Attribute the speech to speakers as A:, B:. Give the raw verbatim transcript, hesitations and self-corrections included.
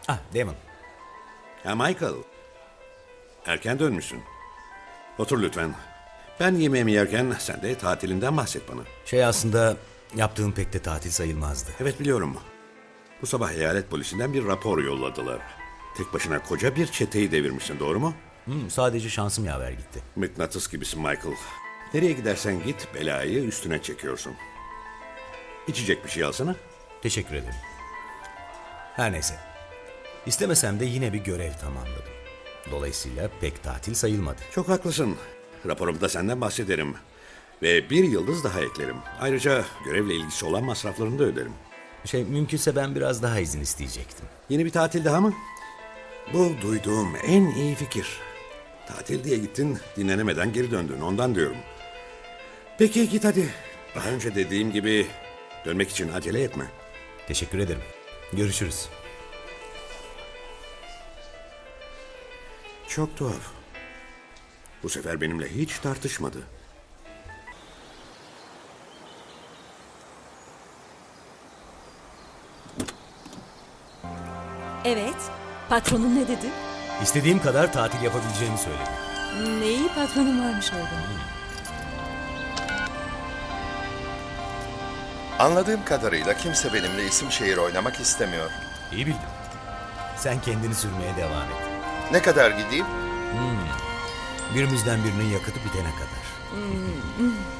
A: Ah, Damon.
B: Ha Michael. Erken dönmüşsün. Otur lütfen. Ben yemeğimi yerken sen de tatilinden bahset bana.
A: Şey aslında yaptığım pek de tatil sayılmazdı.
B: Evet biliyorum. Bu sabah eyalet polisinden bir rapor yolladılar. Tek başına koca bir çeteyi devirmişsin, doğru mu?
A: Hmm, sadece şansım yaver gitti.
B: Mıknatıs gibisin Michael. Nereye gidersen git belayı üstüne çekiyorsun. İçecek bir şey alsana.
A: Teşekkür ederim. Her neyse. İstemesem de yine bir görev tamamladım. Dolayısıyla pek tatil sayılmadı.
B: Çok haklısın. Raporumda senden bahsederim. Ve bir yıldız daha eklerim. Ayrıca görevle ilgisi olan masraflarını da öderim.
A: Şey mümkünse ben biraz daha izin isteyecektim.
B: Yeni bir tatil daha mı? Bu duyduğum en iyi fikir. Tatil diye gittin, dinlenemeden geri döndün. Ondan diyorum. Peki git hadi. Daha önce dediğim gibi dönmek için acele etme.
A: Teşekkür ederim. Görüşürüz.
B: Çok tuhaf. Bu sefer benimle hiç tartışmadı.
C: Evet. Patronun ne dedi?
A: İstediğim kadar tatil yapabileceğimi söyledi.
C: Ne iyi patronun varmış orada.
D: Anladığım kadarıyla kimse benimle isim şehir oynamak istemiyor.
A: İyi bildin. Sen kendini sürmeye devam et.
D: Ne kadar gideyim?
A: Birimizden birinin yakıtı bitene kadar.